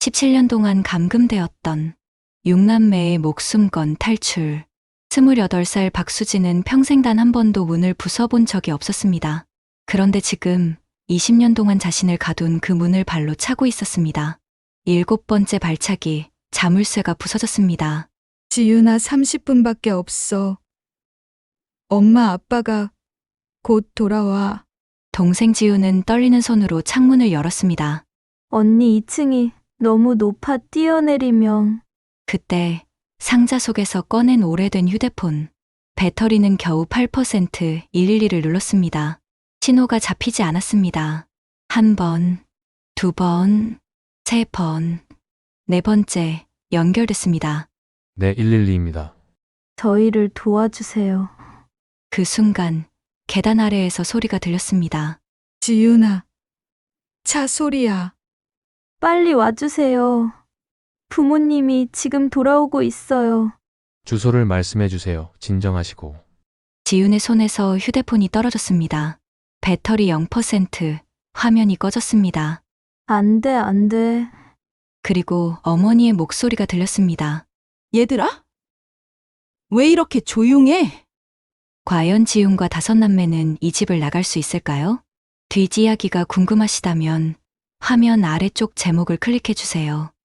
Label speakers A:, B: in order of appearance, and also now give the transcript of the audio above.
A: 17년 동안 감금되었던 6남매의 목숨건 탈출. 28살 박수진은 평생 단 한 번도 문을 부숴본 적이 없었습니다. 그런데 지금 20년 동안 자신을 가둔 그 문을 발로 차고 있었습니다. 7번째 발차기, 자물쇠가 부서졌습니다.
B: 지윤아, 30분밖에 없어. 엄마, 아빠가 곧 돌아와.
A: 동생 지우는 떨리는 손으로 창문을 열었습니다.
C: 언니 2층이 너무 높아 뛰어내리면.
A: 그때 상자 속에서 꺼낸 오래된 휴대폰. 배터리는 겨우 8%, 112를 눌렀습니다. 신호가 잡히지 않았습니다. 1번, 2번, 3번, 4번째 연결됐습니다.
D: 네, 112입니다.
C: 저희를 도와주세요.
A: 그 순간 계단 아래에서 소리가 들렸습니다.
B: 지윤아, 차 소리야.
C: 빨리 와주세요. 부모님이 지금 돌아오고 있어요.
D: 주소를 말씀해 주세요. 진정하시고.
A: 지윤의 손에서 휴대폰이 떨어졌습니다. 배터리 0%, 화면이 꺼졌습니다.
C: 안 돼, 안 돼.
A: 그리고 어머니의 목소리가 들렸습니다.
E: 얘들아? 왜 이렇게 조용해?
A: 과연 지윤과 5남매는 이 집을 나갈 수 있을까요? 뒷이야기가 궁금하시다면 화면 아래쪽 제목을 클릭해 주세요.